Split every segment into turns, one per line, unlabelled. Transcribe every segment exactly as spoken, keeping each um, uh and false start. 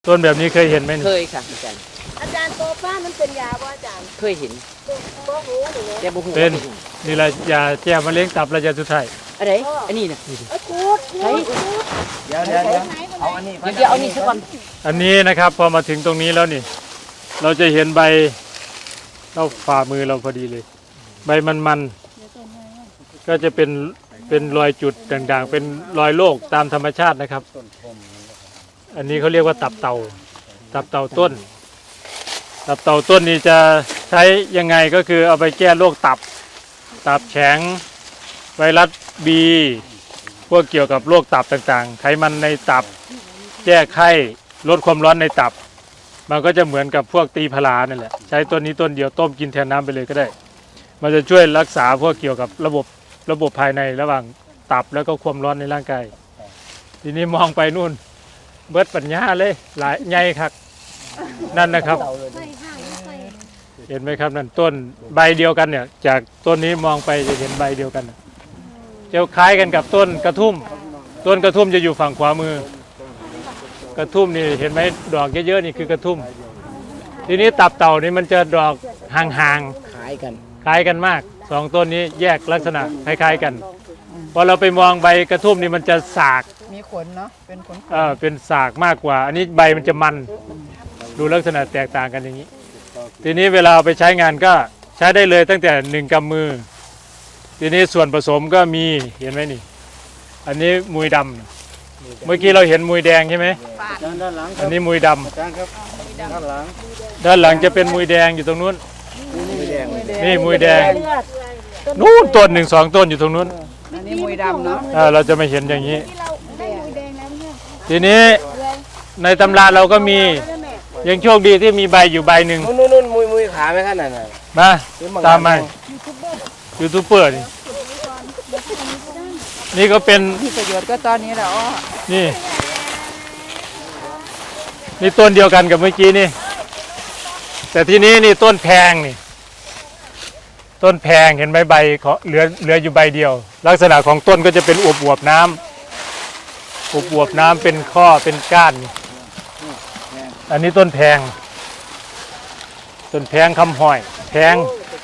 ต้นแบบนี้เคยเห็นไหม
เคยค่ะอาจารย์
อาจารย์โตป้ามันเป็นยาบ่อาจารย์
เคยเห็น
โตหูหรือ
แต่บ่ฮู้
เป็นนี่แหละยาแก้มะเร็งตับระยะสุดท้าย
อะไรอันนี้น่ะ
เอ้ยกูดใช่
เดี๋ยวเดี๋ยวเดี๋ยวเอาอันนี้
เดี๋ยวเอานี่ซะก่อน
อันนี้นะครับพอมาถึงตรงนี้แล้วนี่ เราจะเห็นใบเราฝ่ามือเราพอดีเลย ใบมันๆก็จะเป็นเป็นรอยจุดด่างๆเป็นรอยโรคตามธรรมชาตินะครับอันนี้เขาเรียกว่าตับเต่าตับเต่าต้น ตับเต่าต้นนี้จะใช้ยังไงก็คือเอาไปแก้โรคตับตับแข็งไวรัสบีพวกเกี่ยวกับโรคตับต่างๆไขมันในตับแก้ไข้ลดความร้อนในตับมันก็จะเหมือนกับพวกตีพลานั่นแหละใช้ต้นนี้ต้นเดียวต้มกินแทนน้ำไปเลยก็ได้มันจะช่วยรักษาพวกเกี่ยวกับระบบระบบภายในระหว่างตับแล้วก็ความร้อนในร่างกายทีนี้มองไปนู่นเบิดปัญญาเลยหลายใหญ่ครับนั่นนะครับเห็นไหมครับนั่นต้นใบเดียวกันเนี่ยจากต้นนี้มองไปจะเห็นใบเดียวกันจะคล้ายกันกับต้นกระทุ่มต้นกระทุ่มจะอยู่ฝั่งขวามือกระทุ่มนี่เห็นไหมดอกเยอะๆนี่คือกระทุ่มทีนี้ตับเต่านี่มันจะดอกห่างๆ
คล้ายกัน
คล้ายกันมากสองต้นนี้แยกลักษณะคล้ายๆกันพอเราไปมองใบกระทุ่มนี่มันจะสาก
มีขนเนาะเป็นขน
เออเป็นสากมากกว่าอันนี้ใบมันจะมันดูลักษณะแตกต่างกันอย่างนี้ทีนี้เวลาเอาไปใช้งานก็ใช้ได้เลยตั้งแต่หนึ่งกำมือทีนี้ส่วนผสมก็มีเห็นไหมนี่อันนี้มุยดำเมื่อกี้เราเห็นมุยแดงใช่ไหมอันนี้มุยดำด้านหลังด้านหลังจะเป็นมุยแดงอยู่ตรงนู้นนี่มุยแดงนู้นต้นหนึ่งสองต้นอยู่ตรงนู้น
อันนี้มุยดำเนา
ะเราจะไม่เห็นอย่างนี้ทีนี้ในตำราเราก็มียังโชคดีที่มีใบอยู่ใบหนึ่ง
นู่นนู่นมุยมุยขาไหมขนาดนั้น
มาตามมายูทูบเบอร์นี่นี่ก็เป็น
มีประโยชน์ก็ตอนนี้แหละอ๋อ
นี่นี่ต้นเดียวกันกับเมื่อกี้นี่แต่ทีนี้นี่ต้นแพงนี่ต้นแพงเห็นไหมใบเหลือเหลืออยู่ใบเดียวลักษณะของต้นก็จะเป็นอวบอวบน้ำอวบอวบน้ำเป็นข้อเป็นก้านอันนี้ต้นแพงต้นแพงคำห้อยแพง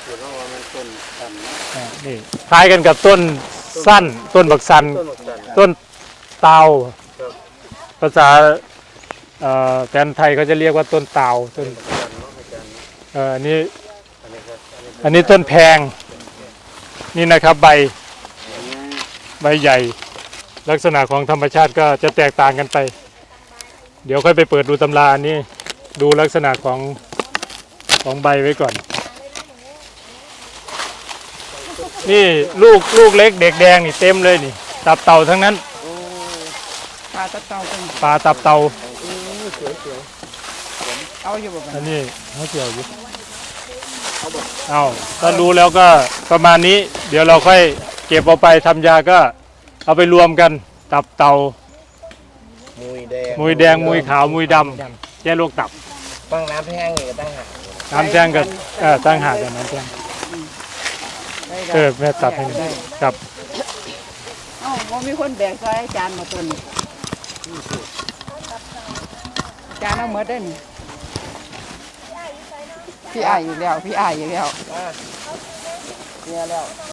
นี่คล้ายกันกับต้นสั้นต้นบักสันต้นเตาภาษาแฟนไทยเขาจะเรียกว่าต้นเตาต้นอันนี้อันนี้ต้นแพงนี่นะครับใบใบใหญ่ลักษณะของธรรมชาติก็จะแตกต่างกันไปเดี๋ยวค่อยไปเปิดดูตำราอันนี้ดูลักษณะของของใบไว้ก่อนนี่ลูกลูกเล็กเด็กแดงนี่เต็มเลยนี่ตับเต่าทั้งนั้น
ปลาตับเต่า
ปลาตับเต่า
เอาอยู่แบบ
อันนี้เขาเกี่ยวอยู่เอาถ้ารู้แล้วก็ประมาณนี้เดี๋ยวเราค่อยเก็บเอาไปทำยาก็เอาไปรวมกันตับเต่า
มุยแดง
มุยแดงมุยขาวมุยดำแก้โรคตับ
ตั้งน้ำแห้งนี่ตั้งหาก
น้ำแห้งกับเออตั้งหากกับน้ำแห้งเออแม่ตัดให้กับ
เอ้าว่ามีคนแบกซอยอาจารย์มาต้นอาจารย์เอาเมื่อได้นี่พี่อายอยู่แล้วพี่อายอยู่แล้ว
เนี่ยแล้ว